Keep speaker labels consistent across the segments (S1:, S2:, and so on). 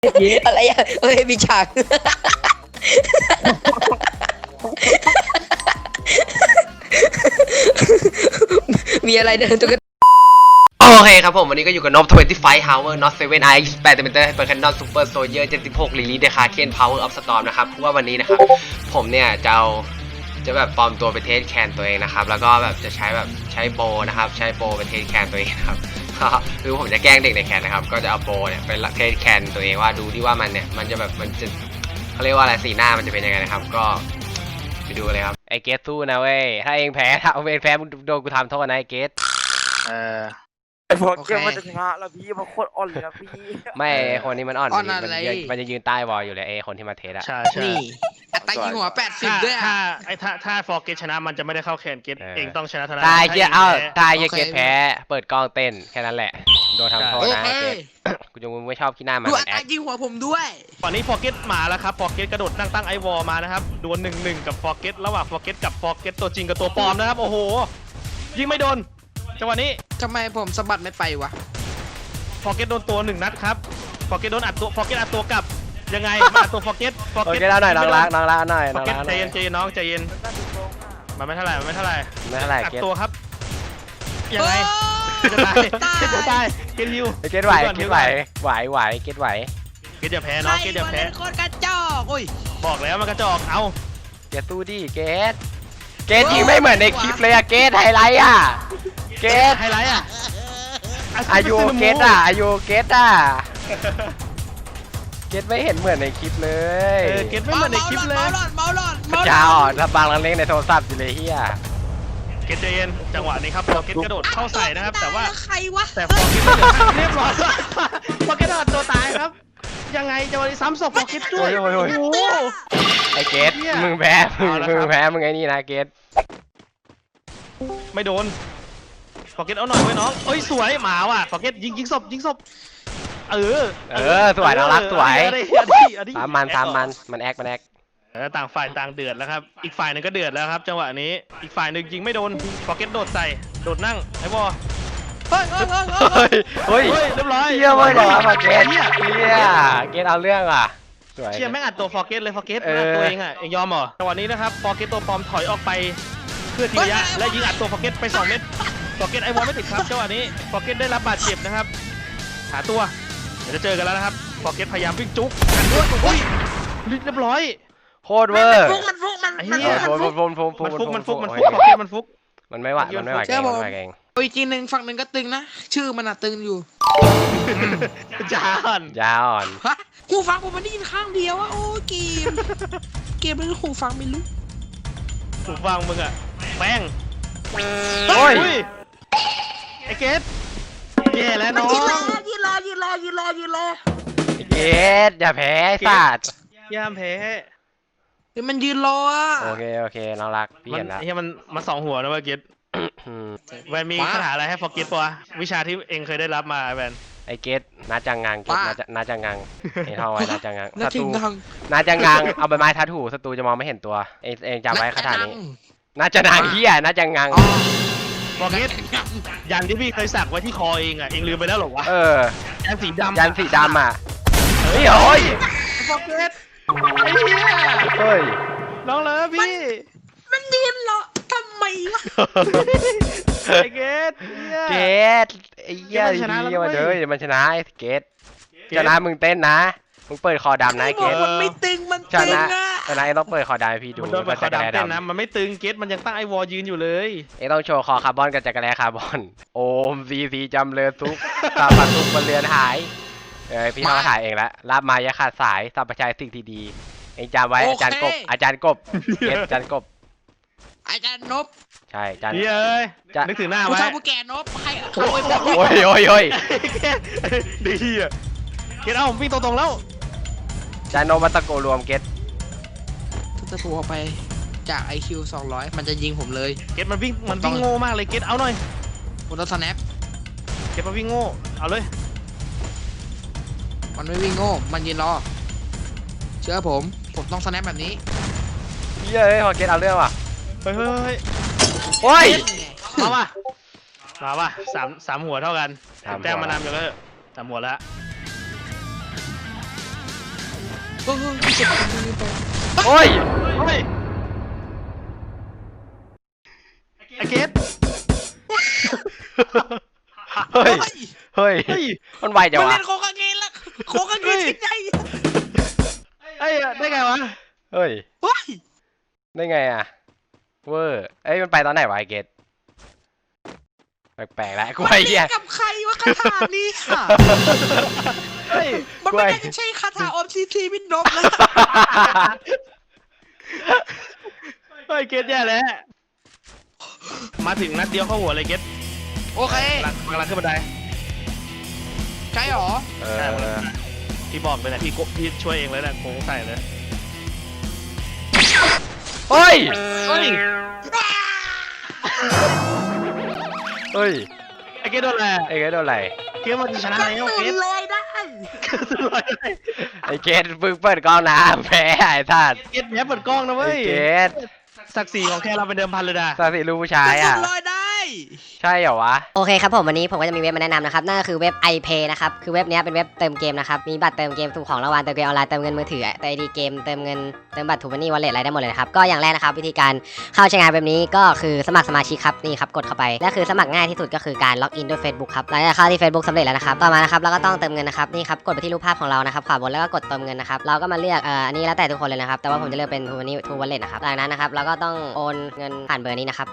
S1: อะไรอ่ะเอ้ยมีฉากมีอะไรเดินตัวกันโอเคครับผมวันนี้ก็อยู่กับนบ25 Hour Not 7 I 8 Cm Hyper Cannon Super Soldier 76 Lily Decaken Power of Storm นะครับเพราะว่าวันนี้นะครับผมเนี่ยจะแบบปลอมตัวเป็นเทสแคนตัวเองนะครับแล้วก็แบบจะใช้โบนะครับใช้โบเป็นเทสแคนตัวเองครับคือผมจะแกล้งเด็กในแคนนะครับก็จะเอาโบเนี่ยเป็นเทสแคนตัวเองว่าดูที่ว่ามันจะแบบมันจะเขาเรียกว่าอะไรสีหน้ามันจะเป็นยังไงนะครับก็ไปดูกันเลยครับไอเกสสู้นะเว้ยถ้าเองแพ้มึงโดนกูทำโทษนะไอเกส
S2: ไอ้พวกเกมมันจะชนะแล้วพี่มันโคตรอ่อนเลยนะพี่
S1: ไม่คนนี้มันอ่อนมันจะยืนใต้วอลอยู่เลยคนที่มาเทสอะ
S3: ใช่
S4: นี่อัตรายิงหัว80ด้วยอ่ะ
S3: ถ้าฟอร์เกตชนะมันจะไม่ได้เข้าแคนเกตเองต้องชนะเท่านั้น
S1: ตายเกสแพ้เปิดกล้องเต้นแค่นั้นแหละโดนทำโทษนะเกสกูจะไม่ชอบขี้หน้ามัน
S4: ดูอัตรายิงหัวผมด้วย
S3: ตอนนี้ฟอร์เกตมาแล้วครับฟอร์เกตกระโดดตั้งไอวอลมานะครับดวล1-1กับฟอร์เกตระหว่างฟอร์เกตกับฟอร์เกตตัวจริงกับตัวปลอมนะครับโอ้โหยิงไม่โดนจังหวะนี้
S4: ทำไมผมสะบัดไม่ไปวะ
S3: ฟอร์เกตโดนตัว1นัดครับฟอร์เกตโดนอัดตัวฟอร์เกตอัดตัวกลับยังไงมาตัวฟอร์เกต
S1: เอาหน่อยน้องรักหน่อย
S3: ฟอร์เกตใจเย็นน้องใจเย็นมันไม่เท่าไหร่อัดตัวครับยังไงจะตายเกตริว
S1: เกตไหวเกต
S3: อย่าแพ้น้องเกตอย่าแพ้
S4: โคตรกระจอกโอ้ย
S3: บอกแล้วมันกระจอกเอา
S1: เกตตู้ดิเกตยิงไม่เหมือนในคลิปเลยอะเกตไฮไลท์อะเกต
S3: ไฮไลท์อะ
S1: อายุเกตอะเกตไม่เห็นเหมือนในคลิปเลย
S3: เกตไม่เหมือนในคลิปเลย
S1: จ้าอ่อนถ้าบางเล่นในโทรศัพท์อยู่เลยเฮีย
S3: เกตเจนจังหวะนี้ครับพอเกตกระโดดเข้าใส่นะครับแต่ว่า
S4: ใครวะ
S3: แต่พอเกตเรียบร้อยพอเกตโดนตัวตายครับยังไงจะวันนี้ซ้ำศพพอเกตด้วยโอ้โห
S1: ไอเกตมึงแพ้มึงไอ้นี่นะเกต
S3: ไม่โดนพอเกตเอาหน่อยไว้น้องเอ้ยสวยหมาว่ะพอเกตยิงศพ
S1: สวยน้องรักสวยตามมันแอค
S3: ต่างฝ่ายต่างเดือดแล้วครับอีกฝ่ายนึงก็เดือดแล้วครับจังหวะนี้อีกฝ่ายนึงยิงไม่โดนพอเกตโดดใส่โดดนั่งไอ้บอ
S1: เฮ้ย
S3: เรียบร้อย
S1: เยี่ยมเลยพอเกตเกตเอาเรื่องอ่ะ
S3: เชี่ยแม่งอัดตัวฟอร์เกตเลยฟอร์เกตตัวเองอ่ะเองยอมเหรอจังหวะนี้นะครับฟอร์เกตตัวปลอมถอยออกไปเพื่อทีระยะและยิงอัดตัวฟอร์เกตไป2 เม็ดฟอร์เกตไอวอลไม่ติดครับจังหวะนี้ฟอร์เกตได้รับบาดเจ็บนะครับหาตัวเดี๋ยวจะเจอกันแล้วนะครับฟอร์เกตพยายามวิ่งจุ๊กอุ้ยเรียบร้อย
S1: โคตรเวอร์
S4: มันฟุก
S3: ฟอร์เกตมันฟุก
S1: มันไม่ไหวเอง
S4: อีกทีหนึ่งฝั่งหนึ่งก็ตึงนะชื่อมันอะตึงอยู่
S3: ย
S1: าวอ่อน
S4: หูฟังผมมันได้ยินข้างเดียวอะโอ้เกมมันหูฟังไม่รู้
S3: หูฟังมึงอะแป้ง
S1: โอ้ย
S3: ไอเกตแย่แล้วน้อง
S4: ยืนรอ
S1: เกตอย่าแพ้สัตว์
S3: ย่ามแพ้
S4: มันยืนรออะ
S1: โอเคน้องรักพี่เห็นแล้ว
S3: มันมา2 หัวนะว่าเกตแวนมีคาถาอะไรให้ฟอร์เกตปะวิชาที่เองเคยได้รับมาแวน
S1: ไอเกตน่าจังงังเกตน่าจังงังไอท่อไว้น่าจังงัง
S4: ศัตรู
S1: น่าจังงังเอาใบไม้ทัดหูศัตรูจะมองไม่เห็นตัวเองจำไว้คาถานี้น่าจะนางเฮียน่าจังงัง
S3: ฟอร์เกตยันที่พี่เคยสักไว้ที่คอเองอ่ะเองลืมไปแล้วหรอวะยันสีดำ
S1: อ่ะเฮ้ยโอ้ย
S3: ฟอร์เกตไอ้เหี้ย
S1: เฮ้ย
S3: น้องเลยพี่
S4: มันยืนรอทำไมวะ
S3: ไอเกต
S1: ไอ้เหี้ยดีมาเด้อมันชนะไอ้เกตชนะมึงเต้นนะมึงเปิดคอดำนะไอ้เกต
S4: มันไม่ตึงมันตึงอะ
S1: ชนะต้องเปิดคอดำพี่ดู
S3: มันเปิดคอดำเต้นนะมันไม่ตึงเกตมันยังตั้งไอวอลยืนอยู่เลย
S1: ต้องโชว์คอคาร์บอนกับจักรแลคาร์บอนโอมซีจำเลือทุกตาปัดทุกบนเรือนหายพี่เขาถ่ายเองแล้วรับมายาขาดสายสัมปชัยสิ่งที่ดีเองจำไว้อาจารย์กบเกตอาจารย์กบ
S4: อาจารย์นบ
S1: ใช่อาจารย์
S3: นึกถึงหน้าไว้
S4: ผู้ชายผู้แก่นบให้เขาไป
S1: บอกโอ้ย
S3: ดีอ่ะเกตเอาผมวิ่งตรงๆแล้ว
S1: จานโนมาตะโกรวมเกต
S4: จะถูกออกไปจาก IQ 200มันจะยิงผมเลย
S3: เกตมันวิ่งโง่มากเลยเกตเอาหน่อย
S4: ผมต้องสแนป
S3: เกตมันวิ่งโง่เอาเลย
S4: มันไม่วิ่งโง่มันยืนรอเชื่อผมต้องสแนปแบบนี้
S1: เย้ยพอเกตเอาเรื่องว่ะ
S3: เฮ้ย
S1: โอ้ย
S3: มาว่ะ3 หัวเท่ากันแจ้งมานำอยู่แล้ว3 หัวแล้ว
S4: โอ้โหพี่กดคนนี้ไป
S1: โอ้ย
S3: เฮ้ยไอเกต
S1: เฮ้ย เฮ้ย
S3: เฮ้ย
S1: มันไวจัง
S4: มัน
S1: วะ
S4: เล่นโคกางเกนละโคกางเกนชิ้นใหญ่
S3: ไอ้ยได้ไงวะ
S1: เฮ้ย
S4: เฮ้ย
S1: ได้ไงอะเวอร์เอ้ยมันไปตอนไหนวะไอเกตแปลกๆแล้วกู
S4: มัน
S1: ไอ้
S4: เล่
S1: เหี้ย
S4: นกับใครวะคาถานี้ค่ะ
S3: เฮ้ย
S4: มันไม่ได้ใช่คาถาออมซีซีวินนบนะ
S3: เฮ้ยเกตแย่แล้วมาถึงนัดเดียวเข้าหัวเลยเกต
S4: โอเค
S3: กำลังขึ้นบันได
S4: ใช่หรอ
S1: เอ
S3: ใช่
S1: อ
S3: พี่บอกเลยนะพี่ช่วยเองเลยนะโค้งใส่เลย
S1: เฮ้ย
S3: เฮ้ย
S1: เฮ้ย
S3: ไอเกตโดนอะไร
S1: ไอ้เกตโดนอะไร
S3: เกตมันจะชนะแล้วเกต
S4: ลอยได้
S1: ไอ้เกตเพิ่งเปิดกล้องน้ำแพ้ไอ้ท่าน
S3: เกตแย่เปิดกล้องนะ
S1: ไอ้
S3: เว้ย
S1: เกต
S3: ศักดิ์ศรีของแค่เราเป็นเดิมพันเลยนะ
S1: สาสิลูกผู้ชายอ่ะ
S4: ลอยได้
S1: ใช่เหรอวะ
S5: โอเคครับผมวันนี้ผมก็จะมีเว็บมาแนะนำนะครับนั่นก็คือเว็บ iPay นะครับคือเว็บนี้เป็นเว็บเติมเกมนะครับมีบัตรเติมเกมสุ่มของรางวัลเติมเกมออนไลน์เติมเงินมือถือเติมไอดีเกมเติมเงินเติมบัตรทูมันนี่วอลเล็ตอะไรได้หมดเลยนะครับก็อย่างแรกนะครับวิธีการเข้าใช้งานเว็บนี้ก็คือสมัครสมาชิกครับนี่ครับกดเข้าไปและคือสมัครง่ายที่สุดก็คือการล็อกอินด้วย Facebook ครับหลังจากเข้าที่ Facebook สำเร็จแล้วนะครับต่อมานะครับเราก็ต้องเติมเงินนะครับนี่ครับกดไปที่รูปภาพของเรานะครับขวาบนแล้วก็กดเติมเงินนะครับเราก็มาเลือกอันนี้แล้วแต่ทุกคนเลยนะครับแต่ว่าผมจะเลือกเป็นทูมันนี่ทูวอลเล็ตนะครับหลังจากนั้นนะครับเราก็ต้องโอนเงินผ่านเบอร์นี้นะครับ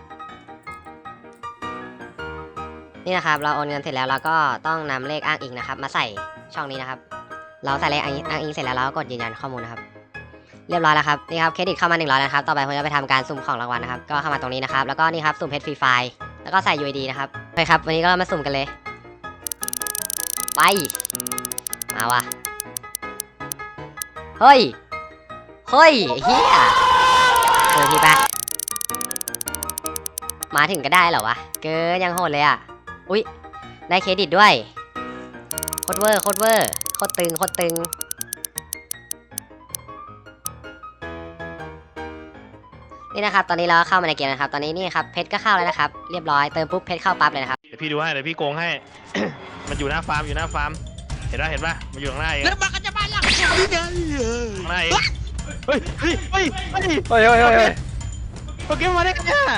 S5: นี่นะครับเราโอนเงินเสร็จแล้วเราก็ต้องนำเลขอ้างอิงนะครับมาใส่ช่องนี้นะครับเราใส่เลขอ้างอิงเสร็จแล้วเราก็กดยืนยันข้อมูลนะครับเรียบร้อยแล้วครับนี่ครับเครดิตเข้ามา100นะครับต่อไปผมจะไปทำการสุ่มของรางวัลนะครับก็เข้ามาตรงนี้นะครับแล้วก็นี่ครับสุ่มเพชรฟรีไฟล์แล้วก็ใส่ UID นะครับโอเคครับวันนี้ก็มาสุ่มกันเลยไปมาว่ะเฮ้ยเฮ้ยเฮียทีไปมาถึงก็ได้เหรอวะเกินยังโหดเลยอ่ะอุ๊ยได้เครดิตด้วยโคตรเวอร์โคตรเวอร์โคตรตึงโคตรตึงนี่นะครับตอนนี้เราก็เข้ามาในเกมนะครับตอนนี้นี่ครับเพชรก็เข้าแล้วนะครับเรียบร้อยเติมปุ๊บเพชรเข้าปั๊บเลยนะครับ
S3: เดี๋ยวพี่ดูให้เดี๋ยวพี่โกงให้ มันอยู่หน้าฟาร์มอยู่หน้าฟาร์มเห็นป่ะมันอยู่ข้างหน้าเอง
S4: แล้วมันก็จะมาหลังผมนี่ไง
S3: ข้างหน้าเองเฮ้ยเฮ้ยเฮ้ยเฮ้ย
S1: เฮ้ยเฮ้ยเฮ้ยเฮ้ย
S3: โปเกมอนมาได้ไงเนี่ย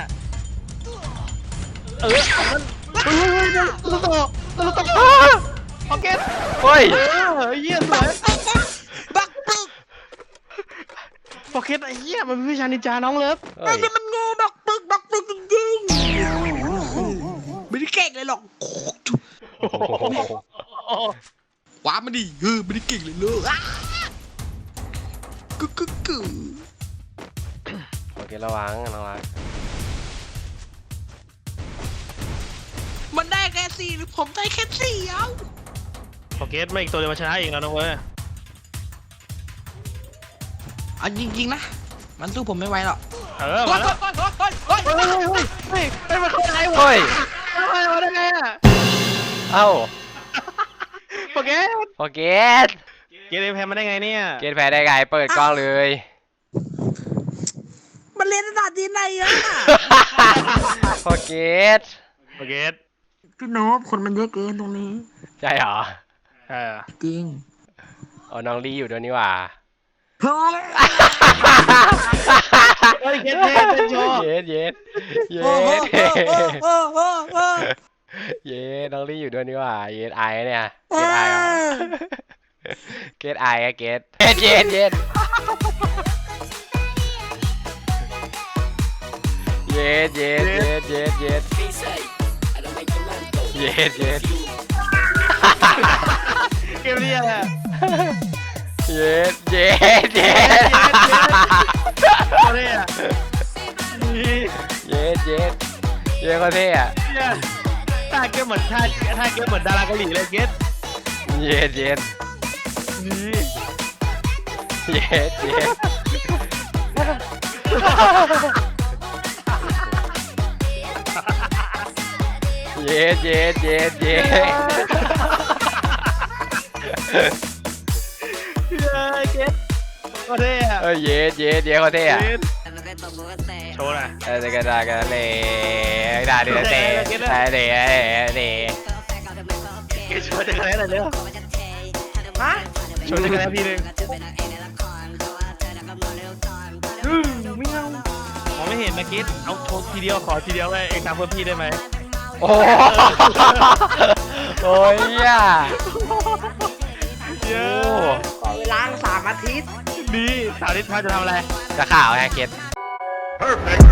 S3: เฮ้ยเฮ้ยตัวโตโอเค
S1: เฮ้ย
S3: เยี่ยสวย
S4: บักปึก
S3: โอเคไอ้เหี้ยมันเป็นวิชานินจาน้องเลิฟ
S1: เฮ้ย
S4: มันงูบักปึกจริงๆไม่ได้เก่งเลยหรอก ว้ามันดิไม่ได้เก่งเลยลูกกึก
S1: โอเคระวังระวัง
S4: มันได้แค่4หรือผมได้แค่4เอ้า
S3: โอเคไม่อีกตัวเดียวมาชนะเองแล้วนะเว้ย
S4: เอาจริงๆนะมันสู้ผมไม่ไหวหรอก
S3: มาแล้ว เฮ้ยมันเข้าไหนวะ
S1: เฮ้ย
S3: มาได้ไงอ่ะ
S1: เอ้า
S3: โอเค
S1: โอเค
S3: เกมแพ้มาได้ไงเนี่ย
S1: เกตแพ้ได้ไงเปิดกล้องเลย
S4: มันเรียนภาษาจีนไหนอะ
S1: โอเค
S3: โอเค
S4: พี่โนบคนมันเยอะเกินตรงนี้
S1: ใช่เหรอ
S4: จริง
S1: อ๋อน้องลีอยู่ด้วยนี่หว่า
S4: เฮ้ย
S3: เฮ้ยเกมเป็นโชว์
S1: เย็ดเย็ดเย็
S4: โอ้โห
S1: ด เย็ดน้องลีอยู่ด้วยนี่หว่าเย็ดไอเนี่ยเย็ดไอเหรอเกตไออะเกตเย็ดเย็ดเย็ดเย็ดเย็ดเย็ดเย็ดเย็ดเย็ด
S3: เกมนี้อะไร
S1: เย็ดเย็ดเย็ด
S3: อะไรอ่ะ
S1: เย็ดเย็ดเย็ดก็เท่อะ
S3: ท่าเกมเหมือนท่าเกมเหมือนดาราเกาหลีเลยเกต
S1: เย็ดเย็ดเย็ดเย็ดเย็ดเย็ดเย็ดเย็ด
S3: เกตก็เท่อะ
S1: เอ้ยเย็ดเย็ดเย็ดก็เท่อะ
S3: โชว์หน่อย
S1: เด็กดากันเลยดาเดือดเตะเตะเตะ
S3: เกตโชว์จะอะไรเร็ว
S4: ฮะ
S3: ชนกันแล้วทีนึงไม่เอามองไม่เห็นนะกิ๊ดเอาโชว์ทีเดียวขอทีเดียวเลยเองทำเพื่อพี่ได้ไหม
S1: โอ้โอ้ยอ่ะ
S3: เยอะ
S4: ขอเวลา3 อาทิตย์
S3: ดีสาวนิดพาจะทำอะไร
S1: จะข่าวไงเกต
S6: Perfect.